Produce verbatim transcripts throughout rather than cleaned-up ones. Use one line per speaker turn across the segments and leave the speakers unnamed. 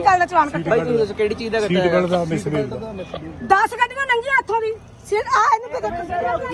ਗੱਲ ਦਾ ਚਲਾਨ ਕੱਟਿਆ
ਭਾਈ ਤੁਸੀਂ ਦੱਸੋ ਕਿਹੜੀ ਚੀਜ਼ ਦਾ ਕੱਟਿਆ
ਸੀਟ ਬੈਲਟ ਦਾ ਮਿਸਬੀਲ ਦਾ
ਦਸ ਗੱਡੀਆਂ ਲੰਘੀਆਂ ਇੱਥੋਂ ਦੀ ਸਿਰ ਆ ਇਹਨੂੰ ਕਿਤੇ ਦੇਖ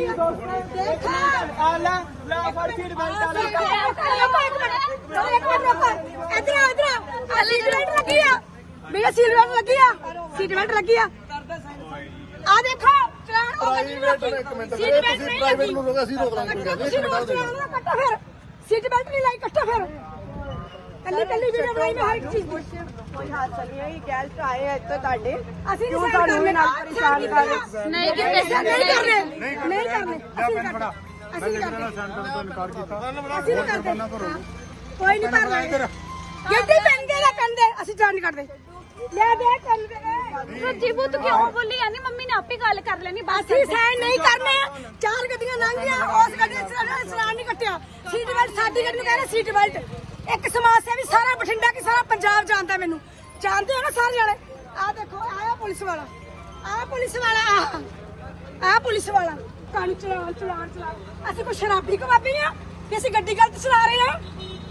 ਆ ਲੈ ਲੈ ਫੜ ਸੀਟ ਬੈਲਟ ਆ ਲੈ
ਇੱਕ ਮਿੰਟ ਰੁਕੋ ਇਧਰ ਆ ਇਧਰ ਆ ਸੀਟ ਬੈਲਟ ਲੱਗੀ ਆ ਭਈਆ ਸੀਟ ਬੈਲਟ ਲੱਗੀ ਆ ਸੀਟ ਬੈਲਟ ਲੱਗੀ ਆ ਆ ਦੇਖੋ ਚਲਾਨ ਉਹ ਗੱਡੀ ਨੂੰ ਲੱਗੀ ਸੀਟ ਬੈਲਟ ਨਹੀਂ ਲੱਗੀ
ਨੂੰ ਰੋਗਾ ਸੀ ਰੋਕ ਲਾਂਗੇ
ਚਲਾਨ ਕੱਟੋ ਫਿਰ ਸੀਟ ਬੈਲਟ ਨਹੀਂ ਲਾਈ ਕੱਟੋ ਫਿਰ ਕੱਲੀ ਕੱਲੀ ਵੀਡੀਓ ਬਣਾਈ ਮੈਂ ਹਰ ਇੱਕ ਚੀਜ਼ ਦੀ
ਕੋਈ ਹਾਦਸਾ ਨਹੀਂ ਹੈ ਇਹ ਗੈਸਟ ਆਏ ਆ ਇੱਥੇ ਤੁਹਾਡੇ
ਅਸੀਂ ਨਹੀਂ ਸਾਨੂੰ ਵੀ ਨਾਲ ਪਰੇਸ਼ਾਨ ਕਰ ਰਹੇ ਨਹੀਂ ਕਿਤੇ ਨਹੀਂ ਕਰਨੇ ਨਹੀਂ ਕਰਨੇ ਅਸੀਂ ਨਹੀਂ ਕਰਦੇ
ਸੈਂਟਰ ਤੋਂ ਇਨਕਾਰ ਕੀਤਾ
ਅਸੀਂ ਨਹੀਂ ਕਰਦੇ ਕੋਈ ਨਹੀਂ ਕਰਨਾ ਗੱਡੀ ਪੈਂਦੇ ਦਾ ਕੰਦੇ ਅਸੀਂ ਜਾਣ ਨਹੀਂ ਕਰਦੇ ਲੈ ਦੇ ਕੰਦੇ
ਸੱਚੀ ਬੁੱਤ ਕਿਉਂ ਬੋਲੀ ਜਾਂਦੀ ਮੰਮੀ ਨੇ ਆਪੇ ਗੱਲ ਕਰ ਲੈਣੀ ਬਸ
ਅਸੀਂ ਸਾਈਨ ਨਹੀਂ ਕਰਨੇ ਚਾਰ ਗੱਡੀਆਂ ਲੰਘੀਆਂ ਉਸ ਗੱਡੀ ਦਾ ਚਲਾਨ ਨਹੀਂ ਕੱਟਿਆ ਸੀਟ ਬੈਲਟ ਸਾਡੀ ਗੱਡੀ ਨੂੰ ਕਹਿੰਦੇ ਸੀਟ ਬੈਲਟ ਇੱਕ ਸਮਾਜ ਸੇਵੀ ਸਾਰਾ ਬਠਿੰਡਾ ਕੀ ਸਾਰਾ ਪੰਜਾਬ ਜਾਣਦਾ ਮੈਨੂੰ ਜਾਣਦੇ ਹੋ ਨਾ ਸਾਰੇ ਜਣੇ ਆ ਦੇਖੋ ਆਇਆ ਪੁਲਿਸ ਵਾਲਾ ਆ ਪੁਲਿਸ ਵਾਲਾ ਆ ਆ ਪੁਲਿਸ ਵਾਲਾ ਕਾਨੂੰ ਚਲਾਨ ਚਲਾਨ ਚਲਾਨ ਅਸੀਂ ਕੋਈ ਸ਼ਰਾਬੀ ਕਬਾਬੀ ਆ ਕਿ ਅਸੀਂ ਗੱਡੀ ਗਲਤ ਚਲਾ ਰਹੇ ਆ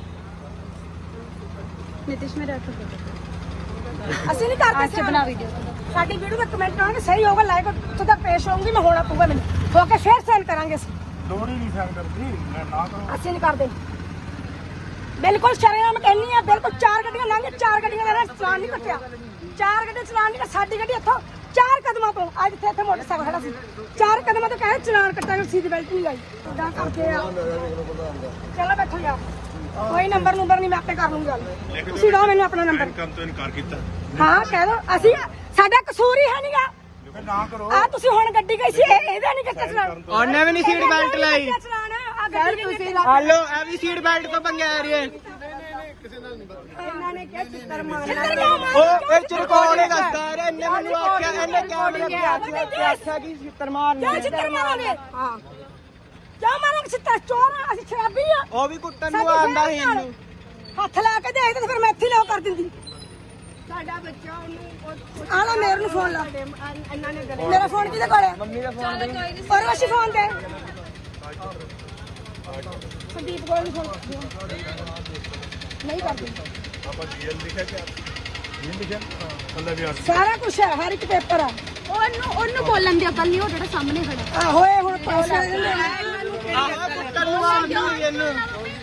ਨਿਤਿਸ਼ ਮੇਰੇ ਰੱਖ
ਅਸੀਂ ਨਹੀਂ ਕਰਦੇ
ਅੱਜ ਬਣਾ ਵੀਡੀਓ
ਸਾਡੀ ਵੀਡੀਓ ਦਾ ਕਮੈਂਟ ਕਰਾਂਗੇ ਸਹੀ ਹੋਗਾ ਲਾਈਕ ਉੱਥੋਂ ਤੱਕ ਪੇਸ਼ ਹੋਊਗੀ ਮੈਂ ਹੋਣਾ ਪਊਗਾ ਮੈਨੂੰ ਹੋ ਕੇ ਫੇਰ ਸੈਂਡ ਕਰਾਂਗੇ ਅਸੀਂ
ਲੋੜ ਹੀ ਨਹੀਂ ਸੈਂਟਰ ਦੀ ਮੈਂ ਨਾ ਕਰੋ
ਅਸੀਂ ਨਹੀਂ ਕਰਦੇ ਬਿਲਕੁਲ ਸ਼ਰੇਆਮ ਕਹਿੰਨੀ ਆ ਬਿਲਕੁਲ ਚਾਰ ਗੱਡੀਆਂ ਲੰਘੇ ਚਾਰ ਗੱਡੀਆਂ ਦਾ ਚਲਾਨ ਨਹੀਂ ਕੱਟਿਆ ਚਾਰ ਗੱਡੀਆਂ ਚਲਾਨ ਨਹੀਂ ਸਾਡੀ ਗੱਡੀ ਇੱਥੋਂ ਚਾਰ ਕਦਮਾਂ ਤੋਂ ਅੱਜ ਇੱਥੇ ਇੱਥੇ ਮੋਟਰਸਾਈਕਲ ਖੜਾ ਸੀ ਚਾਰ ਕਦਮਾਂ ਤੋਂ ਕਹਿੰਦੇ ਚਲਾਨ ਕੱਟਾਂਗੇ ਸੀਟ ਬੈਲਟ ਨਹੀਂ ਲਾਈ ਇਦਾਂ ਕਰਦੇ ਆ ਚਲੋ ਬੈਠੋ ਯਾਰ ਕੋਈ ਨੰਬਰ ਨੰਬਰ ਨਹੀਂ ਮੈਂ ਆਪੇ ਕਰ ਲੂੰਗੀ ਗੱਲ ਤੁਸੀਂ ਦਿਓ ਮੈਨੂੰ ਆਪਣਾ ਨੰਬਰ
ਕੰਮ ਤੋਂ ਇਨਕਾਰ ਕੀਤਾ
ਹਾਂ ਕਹਿ ਦੋ ਅਸੀਂ ਸਾਡਾ ਕਸੂਰ ਹੀ ਹੈ ਨਹੀਂਗਾ
ਨਾ ਕਰੋ
ਆ ਤੁਸੀਂ ਹੁਣ ਗੱਡੀ ਗਈ ਸੀ ਇਹ- ਇਹਦਾ ਨਹੀਂ ਕੱਟਿਆ ਚਲਾਨ
ਉਹਨੇ ਵੀ ਨਹੀਂ ਸੀਟ ਬੈਲਟ ਲਾਈ
ਚਲਾਨ ਆ ਗੱਡੀ ਤੁਸੀਂ
ਹਾਲੋ ਇਹ ਵੀ ਸੀਟ ਬੈਲਟ ਤੋਂ ਪੰਗੇ ਆ ਰਹੀ ਹੈ
ਇਹਨਾਂ ਨੇ ਕਿਹਾ ਚਿੱਤਰ ਮਾਰਨਾ
ਉਹ ਇਹ ਚਰਕੌਣ ਹੀ ਦੱਸਦਾ ਰਿਹਾ ਇਹਨੇ ਮੈਨੂੰ ਆਖਿਆ ਇਹਨੇ ਕੈਮਰੇ ਤੇ ਆਖਿਆ ਕਿ ਛਿੱਤਰ ਮਾਰਨੀ
ਕਿਆ ਚਿੱਤਰ ਮਾਰਾਂਗੇ ਹਾਂ ਕਿਆ ਮਾਰਾਂਗੇ ਚਿੱਤਰ ਚੋਰ ਆ ਅਸੀਂ ਸ਼ਰਾਬੀ ਆ
ਉਹ ਵੀ ਕੁੱਟਣ ਨੂੰ ਆਂਦਾ ਸੀ ਇਹਨੂੰ
ਹੱਥ ਲਾ ਕੇ ਦੇਖਦੇ ਤੇ ਫਿਰ ਮੈਂ ਇੱਥੇ ਲਿਓ ਕਰ ਦਿੰਦੀ
ਸਾਡਾ ਬੱਚਾ ਉਹਨੂੰ
ਆ ਲੈ ਮੇਰੇ ਨੂੰ ਫੋਨ ਲਾ
ਇਹਨਾਂ ਨੇ
ਮੇਰਾ ਫੋਨ ਕਿਹਦੇ ਕੋਲ ਹੈ
ਮੰਮੀ ਦਾ ਫੋਨ ਦੇ
ਔਰ ਵਸ਼ੀ ਫੋਨ ਦੇ ਸੰਦੀਪ ਕੋਲ ਨਹੀਂ ਫੋਨ ਨਹੀਂ ਕਰਦੀ
ਆਪਾਂ ਜੀਐਲ ਲਿਖਿਆ ਕਿ ਨਹੀਂ ਲਿਖਿਆ ਅੱਲਾ ਵੀ ਆਸ
ਸਾਰਾ ਕੁਝ ਹੈ ਹਰ ਇੱਕ ਪੇਪਰ ਆ
ਉਹਨੂੰ ਉਹਨੂੰ ਬੋਲਣ ਦੀ ਅਕਲ ਨਹੀਂ ਉਹ ਜਿਹੜਾ ਸਾਹਮਣੇ ਖੜਾ
ਆ ਹੋਏ ਹੁਣ ਪਾਸ ਕਰ ਦਿੰਦੇ
ਆਹ ਕੁੱਟਣ ਨੂੰ ਆਂਦਾ ਸੀ ਇਹਨੂੰ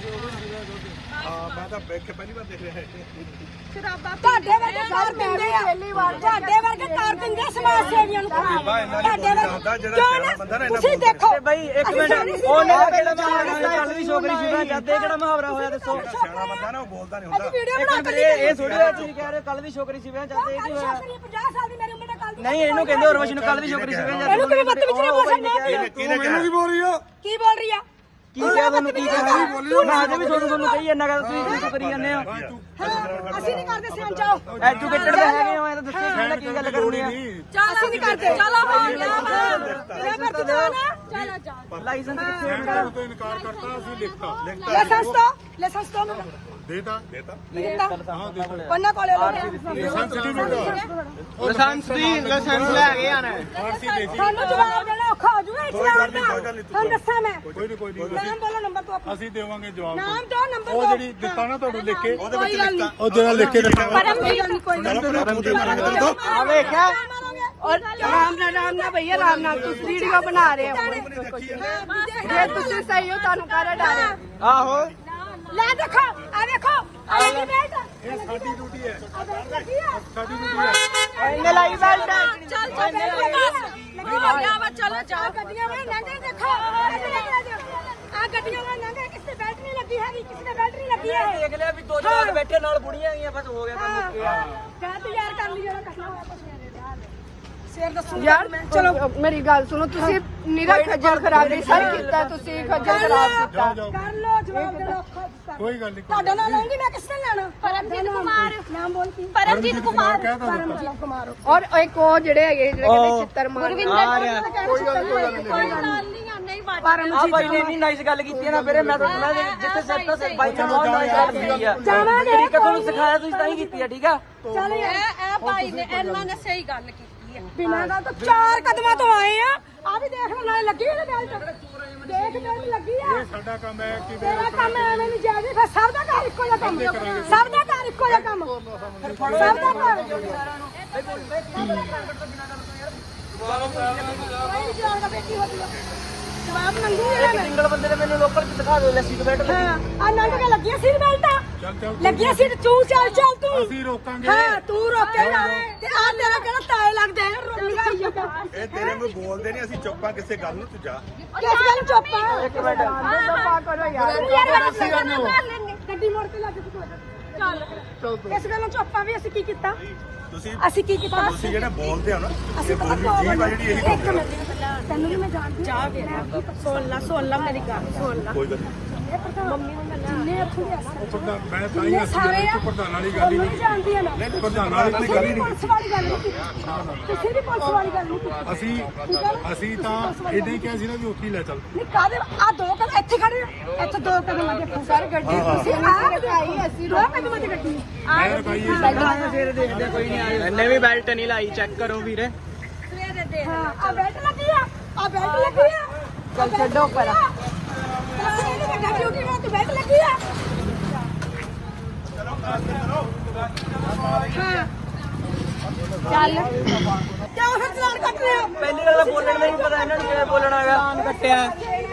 ਆ ਮੈਂ ਤਾਂ ਬੈਠ ਕੇ ਪਹਿਲੀ ਵਾਰ ਦੇਖ ਰਿਹਾ ਹੈ
ਤੁਹਾਡੇ ਵਰਗੇ ਕਰ ਦਿੰਦੇ ਆ ਤੁਹਾਡੇ ਵਰਗੇ ਕਰ ਦਿੰਦੇ ਆ ਸਮਾਜ ਸੇਵੀਆਂ ਨੂੰ ਤੁਹਾਡੇ ਵਰਗੇ ਕਿਉਂ ਨਾ ਤੁਸੀਂ ਦੇਖੋ
ਬਈ ਇੱਕ ਮਿੰਟ ਉਹਨੇ ਕਿਹੜਾ ਮੁਹਾਵਰਾ ਕੱਲ ਵੀ ਛੋਕਰੀ ਸ਼ਿਵਾ ਜਾਂਦੇ ਕਿਹੜਾ ਮੁਹਾਵਰਾ ਹੋਇਆ ਦੱਸੋ
ਸਿਆਣਾ ਬੰਦਾ ਨਾ ਉਹ ਬੋਲਦਾ ਨਹੀਂ
ਅਸੀਂ
ਹੁੰਦਾ
ਵੀਡੀਓ
ਇੱਕ
ਬਣਾ
ਮਿੰਟ
ਕੇ
ਇਹ ਇਹ ਥੋੜੀ ਜਿਹੀ ਤੁਸੀਂ ਕਹਿ ਰਹੇ ਹੋ ਕੱਲ ਵੀ ਛੋਕਰੀ ਸ਼ਿਵਾ ਜਾਂਦੇ ਇਹ ਕੀ ਹੋਇਆ
ਪੰਜਾਹ ਸਾਲ ਦੀ ਮੇਰੀ ਉਮਰ ਨਾਲ ਕੱਲ
ਨਹੀਂ ਇਹਨੂੰ ਕਹਿੰਦੇ ਉਰਵਸ਼ ਨੂੰ ਕੱਲ ਵੀ ਛੋਕਰੀ ਸ਼ਿਵਾ ਜਾਂਦੇ
ਇਹਨੂੰ ਕਿਵੇਂ ਬੱਤ ਵਿੱਚ ਨਹੀਂ ਬੋਲ ਸਕਦਾ
ਕਿਹਨੇ ਮੈਨੂੰ ਕੀ ਬੋਲ ਰਹੀ ਆ
ਕੀ ਬੋਲ ਰਹੀ ਆ
ਕੀ ਕਿਹਾ ਤੁਹਾਨੂੰ ਕੀ ਕਿਹਾ ਮੈਂ ਅਜੇ ਵੀ ਤੁਹਾਨੂੰ ਤੁਹਾਨੂੰ ਕਹੀ ਜਾਂਦਾ ਕਿ ਤੁਸੀਂ ਕੀ ਕਰੀ ਜਾਂਦੇ ਹੋ
ਅਸੀਂ ਨਹੀਂ ਕਰਦੇ ਸਿਆਂ ਜਾਓ
ਐਜੂਕੇਟਡ ਤਾਂ ਹੈਗੇ ਹੋ ਇਹ ਤਾਂ ਦੱਸੋ ਕਿਹੜਾ ਕੀ ਗੱਲ ਕਰਨੀ ਆ
ਅਸੀਂ ਨਹੀਂ ਕਰਦੇ ਚਲੋ ਬੋਲ ਲਿਆ ਮੈਂ ਵਰਤ ਦੋ ਨਾ ਚਲੋ ਚਲੋ
ਲਾਇਸੈਂਸ ਕਿੱਥੇ
ਸੈਂਟਰ ਤੋਂ ਇਨਕਾਰ ਕਰਤਾ ਅਸੀਂ ਲਿਖਤਾ ਲਿਖਤਾ
ਲਾਇਸੈਂਸ ਤੋਂ ਲਾਇਸੈਂਸ ਤੋਂ
ਦੇਤਾ ਦੇਤਾ
ਪੰਨਾ ਕੋਲੇ ਲੋ
ਲਾਇਸੈਂਸ ਸਰਟੀਫਿਕੇਟ
ਲਾਇਸੈਂਸ ਦੀ ਲਾਇਸੈਂਸ ਲੈ ਕੇ ਆਣਾ
ਆਰਸੀ ਦੇ ਸੀ
ਸਾਨੂੰ ਜਵਾਬ ਦੇਣਾ ਔਖਾ ਹੋ ਜੂਗਾ ਇਸਲਾਮ ਦਾ ਤੁਹਾਨੂੰ ਦੱਸਾਂ ਮੈਂ
ਕੋਈ ਨਹੀਂ ਕੋਈ ਨਹੀਂ
ਨਾਮ ਬੋਲੋ ਨੰਬਰ ਤੋਂ ਆਪਣਾ
ਅਸੀਂ ਦੇਵਾਂਗੇ ਜਵਾਬ
ਨਾਮ ਦੋ ਨੰਬਰ
ਉਹ
ਦੋ
ਜਿਹੜੀ ਦਿੱਤਾ ਨਾ ਤੁਹਾਨੂੰ ਲਿਖ ਕੇ ਉਹਦੇ ਵਿੱਚ
ਕੋਈ ਗੱਲ
ਲਿਖਤਾ ਉਹ ਜਿਹੜਾ ਲਿਖ ਕੇ ਦਿੱਤਾ
ਪਰਮਜੀਤ ਨਹੀਂ ਕੋਈ ਗੱਲ
ਆ ਵੇਖਿਆ
और राम ना राम ना भैया राम ना तुम वीडियो बना रहे हो ये तुझसे सही हो तानू कर डाले
ਆਹੋ
ਲੈ ਦੇਖੋ ਆ ਦੇਖੋ ਆ ਇਹ ਬੈਠ
ਇਹ ਸਾਡੀ ਡਿਊਟੀ ਹੈ
ਸਾਡੀ
ਸਾਡੀ ਡਿਊਟੀ ਹੈ
ਇਹਨੇ ਲਾਈ ਬੈਲਟ
ਚੱਲ ਚੱਲ ਲੱਗੀ ਗਿਆ ਵਾ ਚਲੋ ਜਾਓ ਗੱਡੀਆਂ ਵਿੱਚ ਲੰਘੇ ਦੇਖੋ ਆ ਗੱਡੀਆਂ ਵਿੱਚ ਲੰਘੇ ਕਿਸੇ ਬੈਲਟ ਨਹੀਂ ਲੱਗੀ ਹੈਗੀ ਕਿਸੇ ਨੇ ਬੈਲਟ ਨਹੀਂ ਲੱਗੀ ਹੈ
ਦੇਖ ਲਿਆ ਵੀ ਦੋ ਜਵਾਕ ਬੈਠੇ ਨਾਲ ਬੁੜੀਆਂ ਗਈਆਂ ਬਸ ਹੋ ਗਿਆ ਕੰਮ ਮੁੱਕ ਗਿਆ
ਕਹਿ ਤੂੰ ਯਾਰ ਕਰ ਲਈ ਜਿਹੜਾ ਕਰਨਾ ਹੋਇਆ ਕੁਛ ਸ਼ੇਰ ਦੱਸੋ
यार चलो मेरी गल सुनो तुसी निरा खज्जल खराबी सर कीता तुसी खज्जल खराब कीता
ਕਰ ਲੋ ਜਵਾਬ ਦੇ ਲੋ
ਕੋਈ ਗੱਲ ਨਹੀਂ
ਤੁਹਾਡਾ ਨਾਮ ਲਵਾਂਗੀ ਮੈਂ ਕਿਸ ਨੇ ਲੈਣਾ
ਪਰਮਜੀਤ ਕੁਮਾਰ
ਨਾਮ ਬੋਲ ਕੀ
ਪਰਮਜੀਤ ਕੁਮਾਰ
ਕਹਿ ਤਾ ਦਿੱਤਾ
ਪਰਮਜੀਤ ਕੁਮਾਰ
और एक और जेड़े है जेड़े कहंदे चित्तर मार
ਆ ਰਿਹਾ
ਕੋਈ ਗੱਲ
ਕੋਈ ਗੱਲ ਨਹੀਂ ਨਹੀਂ ਬਾਤ
ਆ ਬਾਈ ਨੇ ਇੰਨੀ ਨਾਈਸ ਗੱਲ ਕੀਤੀ ਹੈ ਨਾ ਵੀਰੇ ਮੈਂ ਤਾਂ ਮੈਂ ਜਿੱਥੇ ਸਿਰ ਤੋਂ ਸਿਰ ਬਾਈ ਨੇ ਬਹੁਤ ਨਾਈਸ ਗੱਲ ਕੀਤੀ ਆ
ਜਾਵਾਂਗੇ
ਤਰੀਕਾ ਤੁਹਾਨੂੰ ਸਿਖਾਇਆ ਤੁਸੀਂ ਤਾਂ ਹੀ ਕੀਤੀ ਆ ਠੀਕ ਆ
ਚੱਲ ਯਾਰ
ਇਹ ਇਹ ਭਾਈ ਨੇ ਇਹਨਾਂ ਨੇ ਸਹੀ ਗੱਲ ਕੀਤੀ
ਬਿਨਾਂ ਗੱਲ ਤੋਂ ਚਾਰ ਕਦਮਾਂ ਤੋਂ ਆਏ ਆ ਆ ਵੀ ਦੇਖ ਲੈ ਨਾਲੇ ਲੱਗੀ ਇਹਦੇ ਬੈਲਟ ਦੇਖ ਬੈਲਟ ਲੱਗੀ ਆ
ਇਹ ਸਾਡਾ ਕੰਮ ਹੈ ਕਿ
ਤੇਰਾ ਕੰਮ ਐਵੇਂ ਨਹੀਂ ਜਾਵੇ ਫਿਰ ਸਭ ਦਾ ਘਰ ਇੱਕੋ ਜਿਹਾ ਕੰਮ ਸਭ ਦਾ ਘਰ ਇੱਕੋ ਜਿਹਾ ਕੰਮ ਸਭ ਦਾ ਘਰ ਕੋਈ ਜਾਣਦਾ ਬੇਟੀ ਹੋਦੀ ਆ ਜਵਾਬ ਮੰਗੀ ਹੈ ਮੈਂ
ਸਿੰਗਲ ਬੰਦੇ ਨੇ ਮੈਨੂੰ ਲੋਕਲ ਚ ਦਿਖਾ ਦਿਓ ਲੈ ਸੀਟ ਬੈਲਟ ਲੱਗੀ
ਹਾਂ ਆ ਨੰਗ ਕੇ ਲੱਗੀਆਂ ਸੀਟ ਬੈਲਟਾਂ
ਚੱਲ ਚੱਲ
ਲੱਗੀਆਂ ਸੀਟ ਤੂੰ ਚੱਲ ਚੱਲ ਤੂੰ
ਅਸੀਂ ਰੋਕਾਂਗੇ
ਹਾਂ ਤੂੰ ਰੋਕੇ ਨਾ ਤੇ ਆ ਤੇਰਾ ਕਿਹੜਾ ਤਾਏ ਲੱਗਦਾ ਹੈ ਰੋਕੀਗਾ ਹੀ ਆ
ਇਹ ਤੇਰੇ ਨੂੰ ਬੋਲਦੇ ਨਹੀਂ ਅਸੀਂ ਚੁੱਪਾਂ ਕਿਸੇ ਗੱਲ ਨੂੰ ਤੂੰ ਜਾ
ਕਿਸ ਗੱਲ ਨੂੰ ਚੁੱਪ ਆ
ਇੱਕ ਮਿੰਟ
ਕਰੋ ਯਾਰ
ਗੱਡੀ ਮੋੜ ਕੇ ਲੱਗ ਤੂੰ ਚੱਲ ਇਸ ਗੱਲ ਨੂੰ ਚੁੱਪ ਆ ਵੀ ਅਸੀਂ ਕੀ ਕੀਤਾ
ਤੁਸੀਂ
ਅਸੀਂ ਕੀ ਕੀਤਾ
ਤੁਸੀਂ ਜਿਹੜੇ ਬੋਲਦੇ ਹੋ ਨਾ
ਅਸੀਂ
ਇਹ
ਪਤਾ
ਬੋਲੀ
ਕਿਉਂ
ਜੀਭ ਆ ਜਿਹੜੀ ਇਹੀ
ਇੱਕ ਮਿੰਟ ਤੈਨੂੰ ਵੀ ਮੈਂ ਜਾਣਦੀ ਚਾਹ ਦੇ ਸੁਣ ਲੈ ਸੁਣ ਲੈ ਮੇਰੀ ਗੱਲ ਸੁਣ ਲੈ
ਕੋਈ ਗੱਲ ਨਹੀਂ
ਮੰਮੀ ਨੂੰ ਮੈਂ ਜਿੰਨੇ ਇੱਥੋਂ ਦੇ ਅਸਰ
ਪ੍ਰਧਾਨ ਮੈਂ ਤਾਂ ਹੀ ਅਸੀਂ ਜਿਹੜੇ ਚ ਪ੍ਰਧਾਨ ਵਾਲੀ ਗੱਲ ਹੀ ਨਹੀਂ
ਜਾਣਦੀ ਆ ਨਾ
ਨਹੀਂ ਪ੍ਰਧਾਨ ਵਾਲੀ ਕੋਈ ਗੱਲ ਹੀ ਨਹੀਂ
ਪੁਲਿਸ ਵਾਲੀ ਗੱਲ ਨਹੀਂ ਕੀਤੀ ਤੁਸੀਂ ਵੀ ਪੁਲਿਸ ਵਾਲੀ ਗੱਲ ਨਹੀਂ ਕੀਤੀ
ਅਸੀਂ ਅਸੀਂ ਤਾਂ ਇਦਾਂ ਹੀ ਕਿਹਾ ਸੀ ਨਾ ਵੀ ਉੱਥੇ ਹੀ ਲੈ ਚੱਲ
ਨਹੀਂ ਕਾਦੇ ਆ ਦੋ ਕਦਮ ਇੱਥੇ ਖੜੇ ਆ, ਇੱਥੇ ਦੋ ਕਦਮ ਅੱਗੇ ਸਰ ਗੱਡੀ ਤੁਸੀਂ ਆ ਰਕਾਈ ਅਸੀਂ ਦੋ ਕਦਮ ਦੀ ਗੱਡੀ
ਮੈਂ ਰਕਾਈ
ਫੇਰ ਦੇਖਦੇ ਕੋਈ ਨਹੀਂ ਆਏ ਇਹਨੇ ਵੀ ਬੈਲਟ ਨਹੀਂ ਲਾਈ ਚੈੱਕ ਕਰੋ ਵੀਰੇ
ਸਵੇਰੇ ਦੇ ਹਾਂ ਆ ਬੈਲਟ ਲੱਗੀ ਆ ਆ ਬੈਲਟ ਲੱਗੀ ਆ
ਚੱਲ ਛੱਡੋ ਪਰਾਂ
ਇਹਨੂੰ ਵੱਡਾ ਡਿਊਟੀ ਮੈਂ ਤੇ ਬੈਲਟ ਲੱਗੀ ਆ ਹਾਂ ਚੱਲ ਕਿਉਂ ਫਿਰ ਚਲਾਨ ਕੱਟ ਰਹੇ ਹੋ
ਪਹਿਲੀ ਗੱਲ ਤਾਂ ਬੋਲਣ ਦਾ ਹੀ ਪਤਾ ਇਹਨਾਂ ਨੂੰ ਕਿਵੇਂ ਬੋਲਣਾ ਹੈਗਾ ਆਨ ਕੱਟਿਆ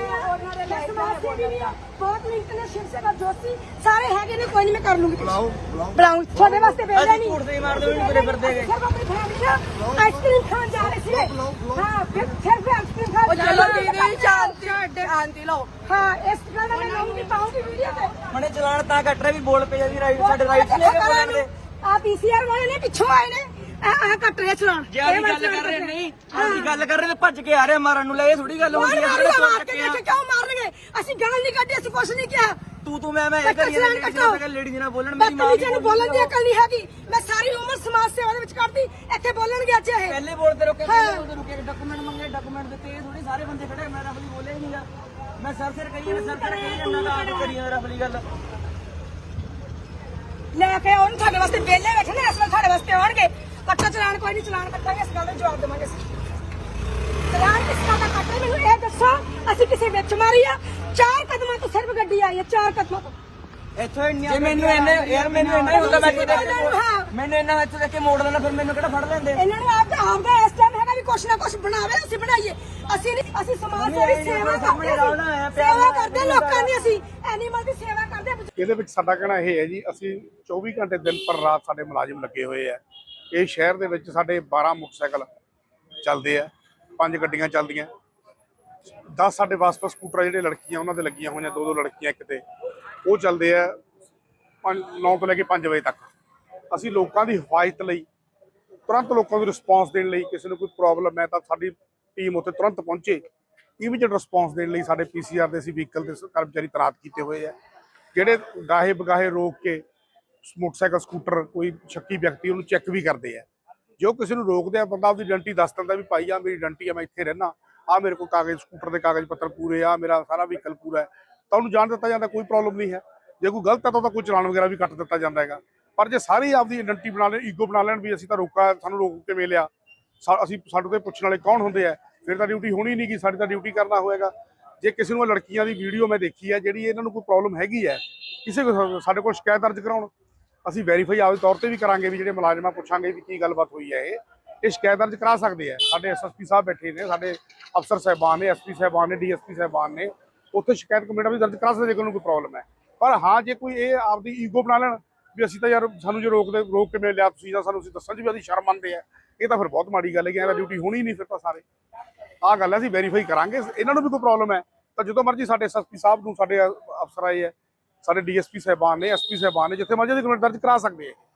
ਬਹੁਤ ਮਿੰਟ ਨੇ ਸ਼ਿਵ ਸੇਵਾ ਜੋਤੀ ਸਾਰੇ ਹੈਗੇ ਨੇ ਕੋਈ ਨਹੀਂ ਮੈਂ ਕਰ ਲੂੰਗੀ
ਬੁਲਾਓ ਬੁਲਾਓ
ਬੁਲਾਉਂ ਤੁਹਾਡੇ ਵਾਸਤੇ ਭੇਜਿਆ
ਅਸੀਂ
ਨਹੀਂ
ਘੂਰਦੇ ਹੀ ਮਾਰਦੇ ਵੀ ਤੁਰੇ ਫਿਰਦੇ ਹੈਗੇ
ਸਿਰਫ ਆਪਣੀ ਫੈਮਿਲੀ ਨਾਲ ਆਈਸਕ੍ਰੀਮ ਖਾਣ ਜਾ ਰਹੇ ਸੀ ਹਾਂ ਫਿਰ ਸਿਰਫ ਆਈਸਕ੍ਰੀਮ ਖਾਣ
ਉਹ ਚਲੋ ਦੀਦੀ ਸ਼ਾਂਤੀ ਅੱਡੇ ਸ਼ਾਂਤੀ ਲਓ
ਹਾਂ ਇਸ ਗੱਲ ਦਾ ਮੈਂ ਲਾਉਂਗੀ ਪਾਉਂਗੀ ਵੀਡੀਓ ਤੇ
ਮਨੇ ਚਲਾਨ ਤਾਂ ਕੱਟ ਰਿਹਾ ਵੀ ਬੋਲ ਪਏ ਜੀ ਰਾਈਟ ਸਾਡੇ ਰਾਈਟ ਲੈ ਕੇ ਬੋਲਣ ਦੇ
ਆ ਪੀਸੀਆਰ ਵਾਲੇ ਨੇ ਪਿੱਛੋਂ ਆਏ ਨੇ ਆ ਆ ਕੱਟ ਰਿਹਾ ਚਲਾਨ
ਜੇ ਅਸੀਂ ਗੱਲ ਕਰ ਰਹੇ ਨਹੀਂ ਅਸੀਂ ਗੱਲ ਕਰ ਰਹੇ ਤੇ ਭੱਜ ਕੇ ਆ ਰਹੇ ਮਾਰਨ ਨੂੰ ਲੈ ਇਹ ਥੋੜੀ ਗੱਲ ਹੁੰਦੀ ਹੈ
ਮਾਰ
ਜਿਹੜੇ
ਮਾਰ
ਚੋਰ
ਕੇ
ਚੱਕੇ ਆ
ਦੇਖ ਕਿਉਂ ਮਾਰਨਗੇ ਅਸੀਂ ਗਾਲ ਨਹੀਂ ਕੱਢੀ ਅਸੀਂ ਕੁਛ ਨਹੀਂ ਕਿਹਾ
ਤੂੰ ਤੂੰ ਮੈਂ ਮੈਂ ਇਹ
ਕੱਟੋ
ਕਰੀ
ਚਲਾਨ
ਜਾਂਦੀ
ਕੱਟੋ
ਮੈਂ ਲੇਡੀ ਨਾਲ ਬੋਲਣ ਮੇਰੀ ਮਾਂ
ਬਦਤਮੀਜ਼ੀ ਨੂੰ ਬੋਲਣ ਦੀ ਅਕਲ ਨਹੀਂ ਹੈਗੀ ਮੈਂ ਸਾਰੀ ਉਮਰ ਸਮਾਜ ਸੇਵਾ ਦੇ ਵਿੱਚ ਕੱਢਦੀ ਇੱਥੇ ਬੋਲਣਗੇ ਅੱਜ ਇਹ
ਪਹਿਲੇ ਬੋਲਦੇ ਰੋਕੇ
ਹਾਂ।
ਪਹਿਲੇ ਬੋਲਦੇ ਰੋਕੇ ਡਾਕੂਮੈਂਟ ਮੰਗੇ ਡਾਕੂਮੈਂਟ ਦਿੱਤੇ ਇਹ ਥੋੜੀ ਸਾਰੇ ਬੰਦੇ ਖੜੇ ਮੈਂ ਰਫਲੀ ਬੋਲਿਆ ਹੀ ਨਹੀਂਗਾ ਮੈਂ ਸਰ ਸਿਰ ਕਹੀ ਮੈਂ ਸਰ ਸਿਰ ਕਹੀ ਜਾਂਦਾ ਤਾਂ ਆਪ ਕਰੀ ਜਾਂਦਾ ਰਫਲੀ ਗੱਲ
ਲੈ ਕੇ ਆਉਣ ਤੁਹਾਡੇ ਵਾਸਤੇ ਵਿਹਲੇ ਬੈਠੇ ਨੇ ਇਸ ਵੇਲੇ ਤੁਹਾਡੇ ਵਾਸਤੇ ਆਉਣਗੇ ਕੱਟੋ ਚਲਾਨ ਕੋਈ ਨਹੀਂ ਚਲਾਨ ਕੱਟਾਂਗੇ ਇਸ ਗੱਲ ਦਾ ਜਵਾਬ ਦੇਵਾਂਗੇ ਅਸੀਂ ਚਲਾਨ ਕਿਸ ਦਾ ਕੱਟੇ ਮੈਨੂੰ ਇਹ ਦੱਸੋ ਅਸੀਂ ਕਿਸੇ ਵਿੱਚ ਮਾਰੀ ਆ ਚਾਰ ਕਦਮਾਂ ਤੋਂ ਸਿਰਫ ਗੱਡੀ ਆਈ ਹੈ ਚਾਰ ਕਦਮਾਂ ਤੋਂ
ਇੱਥੋਂ ਇੰਨੀਆਂ ਜੇ ਮੈਨੂੰ ਇਹਨੇ ਯਾਰ ਮੈਨੂੰ ਇੰਨਾ ਹੀ ਹੁੰਦਾ ਮੈਂ ਇੱਥੇ ਦੇਖ ਕੇ
ਹਾਂ।
ਮੈਨੂੰ ਇੰਨਾ ਇੱਥੇ ਦੇਖ ਕੇ ਮੋੜ ਲੈਣਾ ਫਿਰ ਮੈਨੂੰ ਕਿਹੜਾ ਫੜ ਲੈਂਦੇ
ਇਹਨਾਂ ਨੂੰ ਆਪ ਆਪ ਦਾ ਇਸ ਟਾਈਮ ਹੈਗਾ ਵੀ ਕੁਛ ਨਾ ਕੁਛ ਬਣਾਵੇ ਅਸੀਂ ਬਣਾਈਏ ਅਸੀਂ ਨਹੀਂ ਅਸੀਂ ਸਮਾਜ ਸੇਵੀ ਸੇਵਾ ਕਰਦੇ ਹਾਂ ਸੇਵਾ ਕਰਦੇ ਲੋਕਾਂ ਦੀ ਅਸੀਂ ਐਨੀਮਲ ਦੀ ਸੇਵਾ ਕਰਦੇ ਹਾਂ।
ਇਹਦੇ ਵਿੱਚ ਸਾਡਾ ਕਹਿਣਾ ਇਹ ਹੈ ਜੀ ਅਸੀਂ ਚੌਵੀ ਘੰਟੇ ਦਿਨ ਪਰ ਰਾਤ ਸਾਡੇ ਮੁਲਾਜ਼ਮ ਲੱਗੇ ਹੋਏ ਆ ਇਹ ਸ਼ਹਿਰ ਦੇ ਵਿੱਚ ਸਾਡੇ ਬਾਰਾਂ ਮੋਟਰਸਾਈਕਲ ਚੱਲਦੇ ਆ ਪੰਜ ਗੱਡੀਆਂ ਚੱਲਦੀਆਂ ਦਸ ਸਾਡੇ ਵਾਸਪਾ ਸਕੂਟਰ ਜਿਹੜੇ ਲੜਕੀਆਂ ਉਹਨਾਂ ਦੇ ਲੱਗੀਆਂ ਹੋਈਆਂ ਦੋ ਦੋ ਲੜਕੀਆਂ ਕਿਤੇ ਉਹ ਚੱਲਦੇ ਆ ਨੌ ਤੋਂ ਲੈ ਕੇ ਪੰਜ ਵਜੇ ਤੱਕ ਅਸੀਂ ਲੋਕਾਂ ਦੀ ਹਿਫਾਜ਼ਤ ਲਈ ਤੁਰੰਤ ਲੋਕਾਂ ਨੂੰ ਰਿਸਪੌਂਸ ਦੇਣ ਲਈ ਕਿਸੇ ਨੂੰ ਕੋਈ ਪ੍ਰੋਬਲਮ ਹੈ ਤਾਂ ਸਾਡੀ ਟੀਮ ਉੱਥੇ ਤੁਰੰਤ ਪਹੁੰਚੇ ਇਮੀਡੀਏਟ ਰਿਸਪੌਂਸ ਦੇਣ ਲਈ ਸਾਡੇ ਪੀਸੀਆਰ ਦੇ ਅਸੀਂ ਵਹੀਕਲ ਦੇ ਕਰਮਚਾਰੀ ਤੈਨਾਤ ਕੀਤੇ ਹੋਏ ਆ ਜਿਹੜੇ ਗਾਹੇ ਬਗਾਹੇ ਰੋਕ ਕੇ ਮੋਟਰਸਾਈਕਲ ਸਕੂਟਰ ਕੋਈ ਸ਼ੱਕੀ ਵਿਅਕਤੀ ਉਹਨੂੰ ਚੈੱਕ ਵੀ ਕਰਦੇ ਆ ਜੋ ਕਿਸੇ ਨੂੰ ਰੋਕਦੇ ਆ ਬੰਦਾ ਆਪਦੀ ਆਇਡੈਂਟੀ ਦੱਸ ਦਿੰਦਾ ਵੀ ਭਾਈ ਆ ਮੇਰੀ ਆਇਡੈਂਟੀ ਆ ਮੈਂ ਇੱਥੇ ਰਹਿਣਾ ਆ ਮੇਰੇ ਕੋਲ ਕਾਗਜ਼ ਸਕੂਟਰ ਦੇ ਕਾਗਜ਼ ਪੱਤਰ ਪੂਰੇ ਆ ਮੇਰਾ ਸਾਰਾ ਵਹੀਕਲ ਪੂਰਾ ਹੈ ਤਾਂ ਉਹਨੂੰ ਜਾਣ ਦਿੱਤਾ ਜਾਂਦਾ ਕੋਈ ਪ੍ਰੋਬਲਮ ਨਹੀਂ ਹੈ ਜੇ ਕੋਈ ਗਲਤ ਹੈ ਤਾਂ ਉਹਦਾ ਕੋਈ ਚਲਾਨ ਵਗੈਰਾ ਵੀ ਕੱਟ ਦਿੱਤਾ ਜਾਂਦਾ ਹੈਗਾ ਪਰ ਜੇ ਸਾਰੇ ਆਪਦੀ ਆਇਡੈਂਟੀ ਬਣਾ ਲੈਣ ਈਗੋ ਬਣਾ ਲੈਣ ਵੀ ਅਸੀਂ ਤਾਂ ਰੋਕਾ ਸਾਨੂੰ ਰੋਕ ਕੇ ਮਿਲਿਆ ਅਸੀਂ ਸਾਡੇ ਤੋਂ ਪੁੱਛਣ ਵਾਲੇ ਕੌਣ ਹੁੰਦੇ ਆ ਫਿਰ ਤਾਂ ਡਿਊਟੀ ਹੋਣੀ ਨਹੀਂ ਗੀ ਸਾਡੀ ਤਾਂ ਡਿਊਟੀ ਕਰਨਾ ਹੋਏਗਾ ਜੇ ਕਿਸੇ ਨੂੰ ਲੜਕੀਆਂ ਦੀ ਵੀਡੀਓ ਮੈਂ ਦੇਖੀ ਹੈ ਜਿਹੜੀ ਇਹਨਾਂ ਨੂੰ ਕੋਈ ਪ੍ਰੋਬਲਮ ਹੈਗੀ ਹੈ ਕਿਸੇ ਕੋਲ ਸਾਡੇ ਕੋਲ ਸ਼ਿਕਾਇਤ ਦਰਜ ਕਰਾਉਣ ਅਸੀਂ ਵੈਰੀਫਾਈ ਆਪਦੇ ਤੌਰ ਤੇ ਵੀ ਕਰਾਂਗੇ ਵੀ ਜਿਹੜੇ ਮੁਲਾਜ਼ਮਾਂ ਪੁੱਛਾਂਗੇ ਵੀ ਕੀ ਗੱਲਬਾਤ ਹੋਈ ਹੈ ਇਹ ਇਹ ਸ਼ਿਕਾਇਤ ਦਰਜ ਕਰਾ ਸਕਦੇ ਆ ਸਾਡੇ ਐਸਐਸਪੀ ਸਾਹਿਬ ਬੈਠੇ ਨੇ ਸਾਡੇ ਅਫਸਰ ਸਾਹਿਬਾਨ ਨੇ ਐਸਪੀ ਸਾਹਿਬਾਨ ਨੇ ਡੀਐਸਪੀ ਸਾਹਿਬਾਨ ਨੇ ਉੱਥੇ ਸ਼ਿਕਾਇਤ ਕਮੇਟਾ ਵੀ ਦਰਜ ਕਰਾ ਸਕਦੇ ਜੇ ਕੋਈ ਕੋਈ ਪ੍ਰੋਬਲਮ ਹੈ ਪਰ ਹਾਂ ਜੇ ਕੋਈ ਇਹ ਆਪਦੀ ਈਗੋ ਬਣਾ ਲੈਣ ਵੀ ਅਸੀਂ ਤਾਂ ਯਾਰ ਸਾਨੂੰ ਜੇ ਰੋਕਦੇ ਰੋਕ ਕੇ ਮਿਲ ਲਿਆ ਤੁਸੀਂ ਜਾਂ ਸਾਨੂੰ ਅਸੀਂ ਦੱਸਣ 'ਚ ਵੀ ਅਸੀਂ ਸ਼ਰਮ ਮੰਨਦੇ ਆ ਇਹ ਤਾਂ ਫਿਰ ਬਹੁਤ ਮਾੜੀ ਗੱਲ ਹੈ ਕਿ ਇਹਦਾ ਡਿਊਟੀ ਹੋਣੀ ਨਹੀਂ ਫਿਰ ਤਾਂ ਸਾਰੇ ਆਹ ਗੱਲ ਹੈ ਅਸੀਂ ਵੈਰੀਫਾਈ ਕਰਾਂਗੇ ਇਹਨਾਂ ਨੂੰ ਵੀ ਕੋਈ ਪ੍ਰੋਬਲਮ ਹੈ ਤਾਂ ਜਦੋਂ ਮਰਜ਼ੀ ਸਾਡੇ ਐਸਐਸਪੀ ਸਾਹਿਬ ਨੂੰ ਸਾਡੇ ਅਫਸਰ ਆਏ ਹੈ ਸਾਡੇ ਡੀਐਸਪੀ ਸਾਹਿਬਾਨ ਨੇ ਐਸਪੀ ਸਾਹਿਬਾਨ ਨੇ ਜਿੱਥੇ ਮਰਜ਼ੀ ਦੀ ਕੰਪਲੇਂਟ ਦਰਜ ਕਰਾ ਸਕਦੇ ਆ